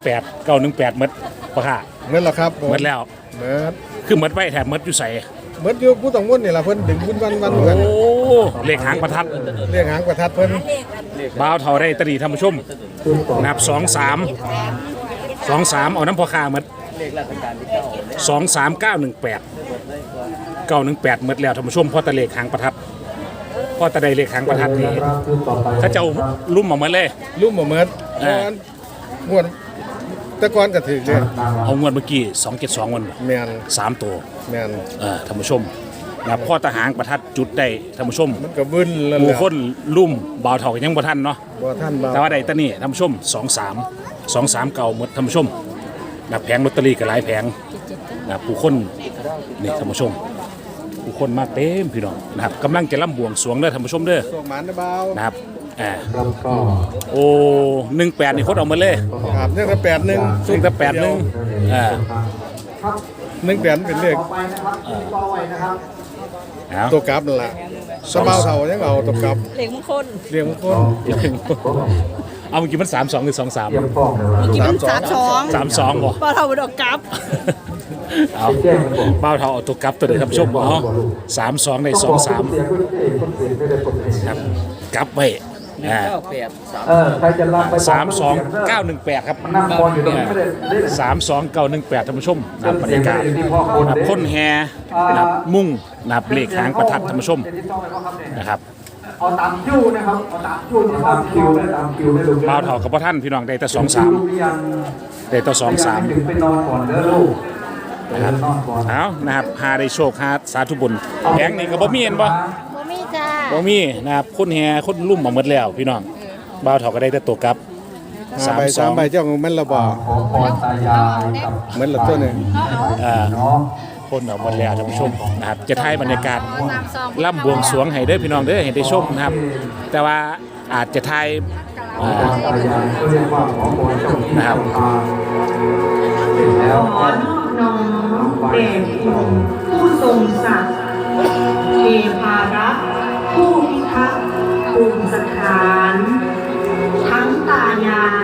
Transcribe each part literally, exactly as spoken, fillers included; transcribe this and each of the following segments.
แปดเก้าหนึ่งแปดมดปะค่ะเมื่อแล้วครับมดแล้วเมื่อคือมดไว้แถบมดอยู่ใส่เมื่ออยู่ผู้ต้องมุ่นนี่แหละเพิ่นดึงบุญวันวันเหมือนกันโอ้เลขหางประทัดเรียกหางประทัดเพิ่นบ่าวเท่าได้ตรีท่านผู้ชมนับสองสามสองสามเอาน้ำพอคามดสองสามเก้าหนึ่งแปดเก้าหนึ่งแปดมดแล้วท่านผู้ชมพอตะเลขหางประทัดพอตะได้เลขหางประทัดนี่ถ้าเจ้าลุ่มออกมาเลยลุ่มออกมาม้วนตะกอนกระถือเลยเอางวดเมื่อกี้สองเจ็ดสองวันแมนสามตัวแมนเออท่านผู้ชมนะพ่อทหารประทัดจุดได้ท่านผู้ชมมันก็บึ้นแล้วผู้คนลุ่มบ่าวเท่ายังบ่ทันเนาะบ่ทันแต่ว่าได้ตะนี่ท่านผู้ชมสองสามสองสามเก่าหมดท่านผู้ชมนะแผงลอตเตอรี่ก็หลายแผงนะผู้คนนี่ท่านผู้ชมผู้คนมาเต็มพี่น้องนะครับกำลังจะล่ำบวงสรวงเด้อท่านผู้ชมเด้อสวงหมานเบานะครับอ่าโอ้หนึ่งแปดนี่โคตรเอามาเลยครับเนี่ยแปดหนึ่งซึ่งแต่แปดหนึ่งอ่าหนึ่งแปดเป็นเลขตัวกราฟนั่นแหละสบายเท่ายังเอาตัวกราฟเลี้ยงมงคลเลี้ยงมงคลเอาเมื่อกี้มันสามสองหรือสองสามเมื่อกี้มันสามสองสามสองบ่บ่าวเท่าดอกกราฟเอาบ่าวเท่าเอาตัวกราฟตัวเดียวท่านผู้ชมเนาะสามสองในสองสามครับกราฟไว้สามสองเก้าหนึ่งแปดครับสามสองเก้าหนึ่งแปดท่านผู้ชมนับบรรยากาศนับพ่นแห่นับมุ่งนับเลขหางประทัดท่านผู้ชมนะครับเอาตามคิวนะครับเอาตามคิวตามคิวได้ตามคิวได้ดูบ่าวเท่ากับพ่อท่านพี่น้องได้แต่สองสามได้แต่สองสามไปนอนก่อนเด้อลูกนะครับเอานะครับหาได้โชคหาสาธุบุญแผงนี่ก็บ่มีเห็นบ่บ่มีจ้าบ่มีนะครับคนแห่คนลุ่มมาหมดแล้วพี่น้องบ่าวเท่าก็ได้แต่ตัวกลับสามสองใบเจ้าของมันละบ่เหมือนละตัวนึงอ่าคนออกหมดแล้วท่านผู้ชมนะครับจะถ่ายบรรยากาศล่ำบวงสรวงให้เด้อพี่น้องเด้อให้ได้ชมนะครับแต่ว่าอาจจะถ่ายนะครับขอนอบน้อมแด่คุณผู้ทรงศักดิ์เทพารักษ์ผู้พิทักษ์ภูมิสถานทั้งตายาย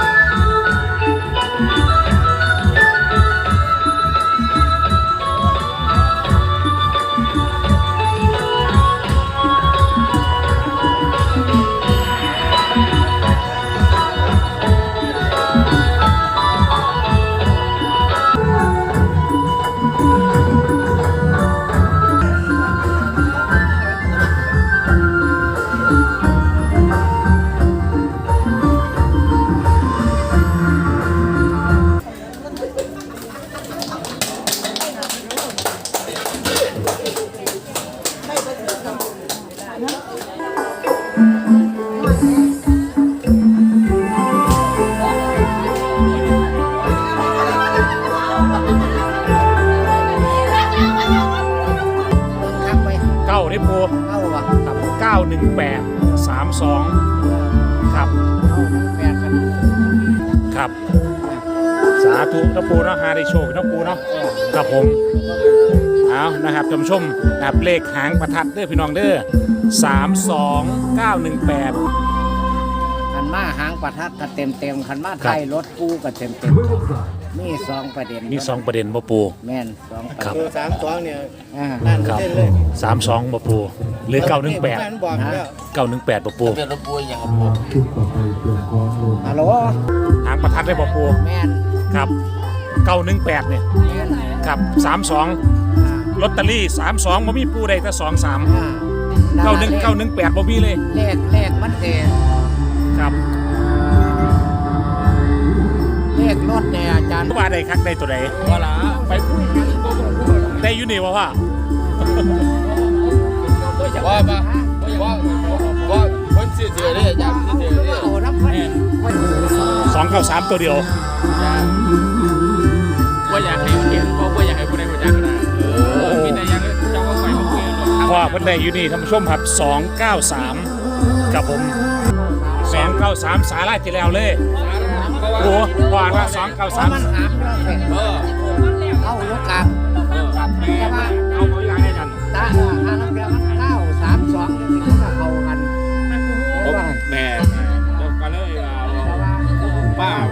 เก้าหนึ่งแปดสามสองครับครับสาธุนะปูเนาะหาได้โชคนะปูเนาะครับผมเอานะครับท่านผู้ชมนะครับเลขหางประทัดเด้อพี่น้องเด้อสามสองเก้าหนึ่งแปดคันมาหางประทัดก็เต็มเต็มคันมาไทยรถกูก็เต็มเต็มมีสองประเด็นมีสองประเด็นบ่ปูแม่นสองประเด็นตัวสามสองเนี่ยนั่นครับสามสองบ่ปูหรือเก้าหนึ่งแปดเก้าหนึ่งแปดบ่ปูเป็นรถปูอย่างกับปูฮัลโหลหางประทัดได้บ่ปูแม่นครับเก้าหนึ่งแปดเนี่ยครับสามสองลอตเตอรี่สามสองบ่มีปูได้แต่สองสามเก้าหนึ่งเก้าหนึ่งแปดบ่มีเลยเลขเลขมันเองครับเลขรถเนี่ยอาจารย์ว่าได้คักได้ตัวใดว่าล่ะไปได้อยู่นี่ว่าว่าว่ามาว่าว่าคนเสียเสียเลยอาจารย์เสียเสียเลยสองเก้าสามตัวเดียวว่าอยากให้เห็นว่าอยากให้คนใดคนจังนะมีแต่ยังจะว่าไปมาคุยกันว่าเพิ่นได้อยู่นี่ท่านผู้ชมครับสองเก้าสามกับผมสองเก้าสามสาราจีแล้วเลยโอ้ว่าว่าสองเก้าสามเออเข้าลูกกลางแต่ว่าเอาเอาอย่างนี้กันตาอาน้ำเกลือมันเก้าสามสองนี่มันเข้ากันแม่เดี๋ยวกันเลยป้า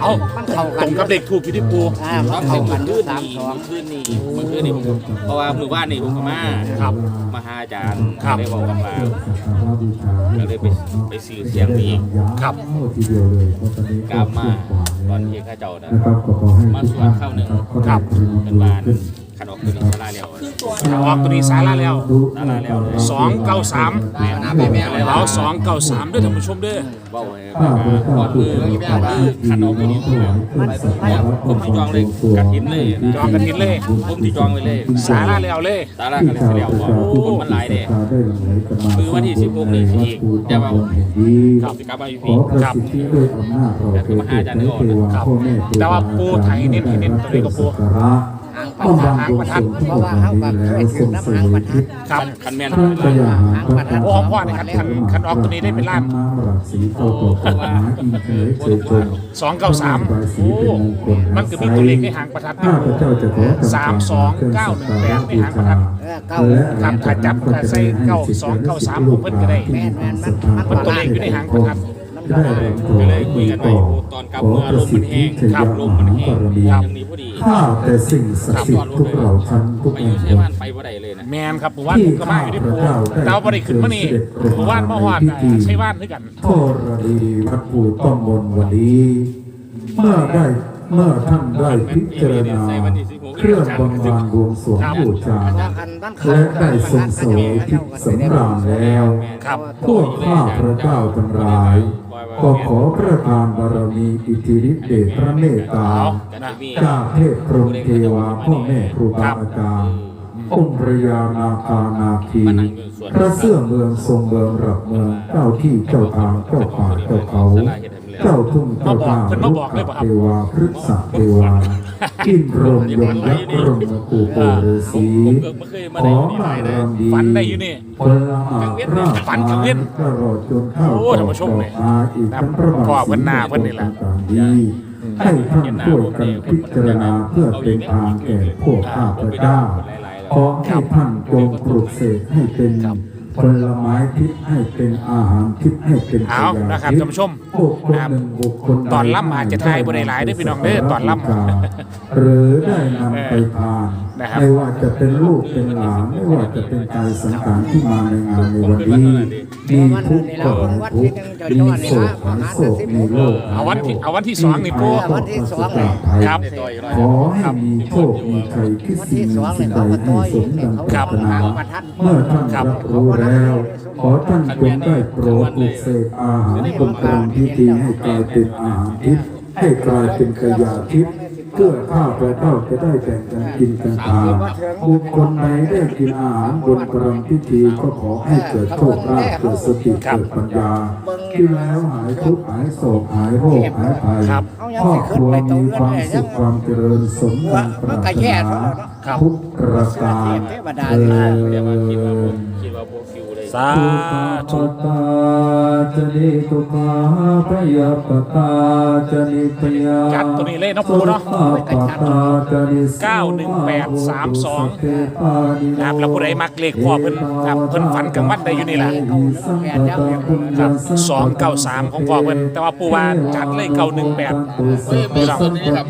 เอามันเข้าตกัรนงกับเด็กถูกอยู่ที่ปูอ่ามันเขาเข้ากันขึ้นสามนี่สองขึ้นนี่เมื่อคืนนี่ผมเพราะว่ามือว่านนี่ผมก็มาครับมาหาอาจารย์ครับได้บอกกับมาก็เลยไปไปซื้อเสียงนี้ครับกลับมาตอนที่ข้าเจ้านะนะครับก็ขอให้มาสวดเข้าหนึ่งครับเป็นบ้านขนมเป็นสลาเลียวออกตัวนี้สาระแล้วสลาเลียวเลยสองเก้าสามน้ำแม่แม่เลยเอาสองเก้าสามด้วยท่านผู้ชมเด้อเบ้าเลยก่อนมือก่อนมือขนมตัวนี้ผมที่จองเลยกระถินเลยจองกระถินเลยผมที่จองไว้เลยสาระแล้วเลยสารากันเลยเลียวบอกคนมันหลายเด้คือวันที่สิบหกนี่อีกจะว่าครับสิกลับมาอยู่พี่ครับแต่คือมาหาอาจารย์นึกออกนะครับแต่ว่าปูไทยเน้นให้เน้นตัวนี้ก็ปูหางประทัดหางประทัดเพราะว่าเขากับเคยถือน้ำหางประทัดครับคันแม่นท่านก็อย่าหาประทัดโอ้ของพ่อนี่คันคันคันออกตัวนี้ได้เป็นล้านน้ำหลักสีโตโตโตมาอินเฉยเฉยชมสองเก้าสามโอ้มันก็มีตัวเลขในหางประทัดข้าพเจ้าจะขอสามสองเก้าหนึ่งแปดในหางประทัดเออเก้าครับถ้าจับถ้าใส่เก้าสองเก้าสามผมเพิ่นก็ได้แม่นแม่นมันมันมันตัวเลขอยู่ในหางประทัดได้รำถวก็เลยายคุยกันไว้ตอนกลับเมื่อลมมันแห้งครับลมมันแห้งอย่างนี้พอดีข้าแต่สิ่งศักดิ์สิทธิ์ทุกเหล่าชั้นทุกไปอแห่ยู่งใช้บ้านไปบ่ได้เลยนะแมนครับผมว่าผมก็มาอยู่ที่ปูแต่ว่าบ่ได้ขึ้นมานี่ผมว่ามาฮอดใช้บ้านด้วยกันทรดีวัดปูต้องมนต์วันนี้ เมื่อได้เมื่อท่านได้พิจารณาเครื่องบำรุงบวงสรวงบูชาถ้าคันบ้านเขาและได้ทรงเสวยทิพย์สำราญแล้วครับพวกข้าพระเจ้าทั้งหลาย ก็ขอประทานบารมีอิทธิฤทธิเดชพระเมตตา จากเทพพรหมเทวาพ่อแม่ครูบาอาจารย์องค์พระยานาคานาคีพระเสื้อเมืองทรงเมืองหลักเมืองเจ้าที่เจ้าทางเจ้าป่าเจ้าเขา เจ้าทุ่งเจ้าทางลูกเทวาพฤกษเทวาอินรมยมยักษ์รมกูโปฤาษีขอมารำดีฝันได้อยู่นี่พลหากราชฝันกลางเว้นตลอดจนเข้าโอ้ท่านผู้ชมเลยมาอีกทั้งพระบาทพ่อเพิ่นหน้าเพิ่นนี่ล่ะต่างๆดีให้ท่านช่วยกันพิจารณาเพื่อเป็นทางแก่พวกข้าพเจ้าขอให้ท่านจงปลุกเสกให้เป็นผลไม้ทิพย์ให้เป็นอาหารทิพย์ให้เป็นเอานะครับท่านผู้ชมบุคคลหนึ่งบุคคลใดตอนล่ำอาจจะทายบ่ได้หลายเด้อพี่น้องเด้อตอนล่ำหรือได้นำไปทานนะครับไม่ว่าจะเป็นลูกเป็นหลานไม่ว่าจะเป็นกายสังขารที่มาในงานในวันนี้มีทุกข์ก็หายทุกข์มีโศกหายโศกมีโรคเอาวันที่เอาวันที่สองนี่ปูวันที่สองคเลยครับขอให้มีโชคมีชัยคิดวันสิ่ที่งสองสิ่เนี่ยงใดเขาก็ให้ต่อสอีมกเนี่ยดังเขาปรารถนาหางประทัดเมื่อท่านรับรู้แล้ว ขอท่านจงได้โปรดปลุกเสกอาหารบนกรรมพิธีให้กลายเป็นอาหารทิพย์ให้กลายเป็นกายาทิพย์เพื่อข้าพระเจ้าจะได้แบ่งกันกินกันทานบุคคลใดได้กินอาหารบนกรรมพิธีก็ขอให้เกิดโชคลาภเกิดสติเกิดปัญญาที่แล้วหายทุกข์หายโศกหายโรคหายภัยครับครอบครัวมีความสุขความเจริญสมดังปรารถนาทุกประการเอเดี๋ยวมาคิดว่าอคิดว่าพวกคิวเลยสาตุธุตาจนิตุกาพยาปตาจนิพยาจัดตัวนี้เลยเนาะปูเนาะปตาจนิเก้าหนึ่งแปดสามสอง นะครับแล้วผู้ใดมักเลขพ่อเพิ่นครับเพิ่นฝันกลางวันได้อยู่นี่แหละครับสองเก้าสามของพ่อเพิ่นแต่ว่าปู่ว่าจัดเลยเก้าหนึ่งแปดเฮ้ยมีส่วนนี้ครับ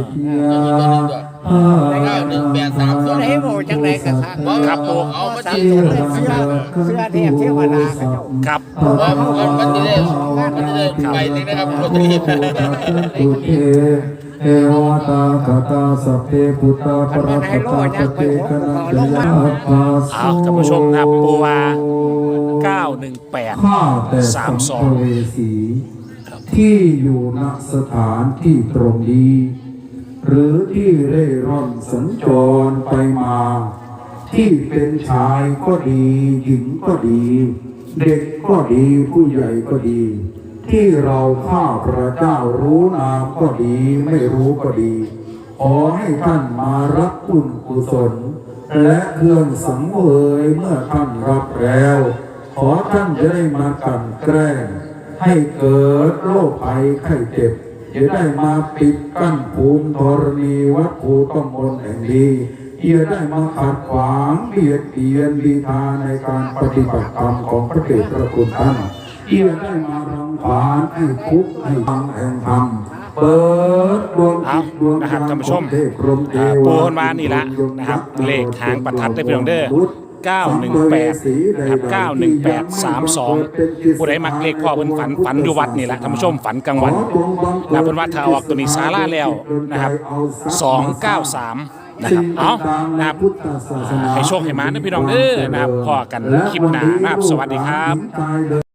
เก้าหนึ่งแปดสามสองไหนบอกจังไรกันครับครับปู่เอามาสามจีตัวเลยเสื้อเสื้อเทพเทวดาเขาเจ้าครับว่ามันมันจะได้มันจะได้ไปนี่นะครับโรตารีเอวตาคาตาสัพเพพุทธาปรัตตาปเตกนันตยาภาสเอาท่านผู้ชมครับปู่ว่าเก้าหนึ่งแปดข้าแต่สัมภเวสีที่อยู่ณสถานที่ตรงนี้ หรือที่เร่ร่อนสัญจรไปมา ที่เป็นชายก็ดีหญิงก็ดี เด็กก็ดีผู้ใหญ่ก็ดี ที่เราข้าพระเจ้ารู้นามก็ดีไม่รู้ก็ดี ขอให้ท่านมารับบุญกุศลและเครื่องสังเวยเมื่อท่านรับแล้ว ขอท่านจะได้มากลั่นแกล้งให้เกิดโรคภัยไข้เจ็บจะได้มาปิดกั้นภูมิธรณีวัดภูต้องมนต์แห่งนี้อย่าได้มาขัดขวางเบียดเบียนบีทาในการปฏิบัติธรรมของพระเดชพระคุณท่านอย่าได้มารังควานให้คุกข์ให้ฟังแห่งธรรมเปิดดวงเอาจิตดวงนะครับญณท่านผู้ชมของเทพพรหมเทอ่าว ปูาคนมานี่ละนะครับเลขหางประทัดได้เพียงเด้อเก้าหนึ่งแปดนะครับเก้าหนึ่งแปดสามสองผู้ใดมักเลขพ่อเพิ่นฝันฝันอยู่วัดนี่แหละท่านผู้ชมฝันกลางวันนะเพิ่นว่าถ้าออกตัวนี้ศาลาแล้วนะครับสองเก้าสามนะครับเอานะครับให้โชคให้มานะพี่น้องเด้อนะครับพอกันคลิปหน้านะครับสวัสดีครับ